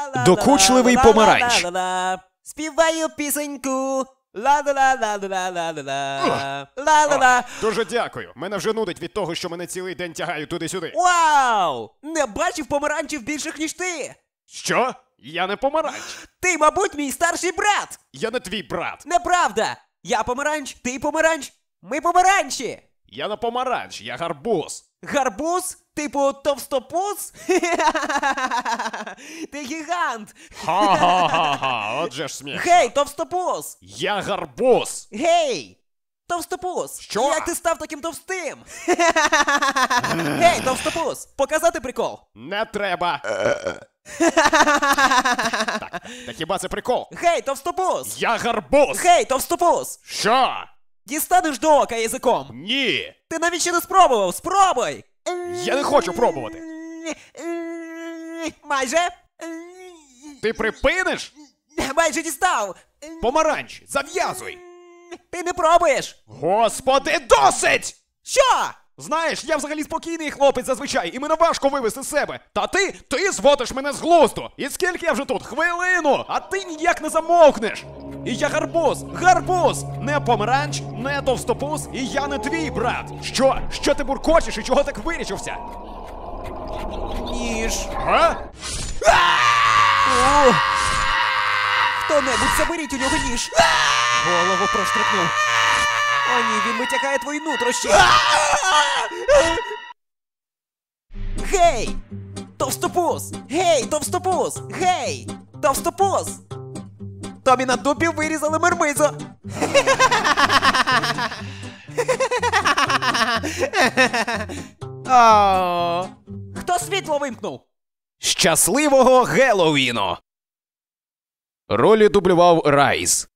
Докучливий помаранч. Співаю пісеньку. Ла-ла-ла-ла-ла-ла-ла. Дуже дякую. Мене вже нудить від того, що мене цілий день тягають туди-сюди. Вау! Не бачив помаранчів більших, ніж ти. Що? Я не помаранч. Ти, мабуть, мій старший брат. Я не твій брат. Неправда. Я помаранч, ти помаранч. Ми помаранчі. Я не помаранч, я гарбуз. Гарбуз? Типу товстопуз? Ти гігант. Ха-ха-ха-ха, отже ж сміх. Гей, товстопуз. Я гарбуз. Гей! Товстопуз! Що? Як ти став таким товстим? Гей, товстопуз! Показати прикол! Не треба. Так хіба це прикол? Гей, товстопуз! Я гарбуз. Гей, товстопуз! Що? Дістанеш до ока язиком! Ні. Ти навіть ще не спробував! Спробуй! Я не хочу пробувати. Майже! Ти припиниш? Майже дістав! Помаранч, зав'язуй. Ти не пробуєш! Господи, досить! Що? Знаєш, я взагалі спокійний хлопець зазвичай, і мене важко вивести з себе. Та ти зводиш мене з глузду. І скільки я вже тут? Хвилину! А ти ніяк не замовкнеш. І я гарбуз, гарбуз! Не помаранч, не товстопуз, і я не твій брат. Що? Що ти буркочеш і чого так вирічився? Ніж. А? Хто-небудь заберіть у нього ніж. Голову проштрикнув. О ні, він витягає твої нутрощі. Гей! Товстопуз! Гей, товстопуз! Гей! Товстопуз! Тобі на дупі вирізали мармизу. Хто світло вимкнув? Щасливого Геловіну! Ролі дублював Райс.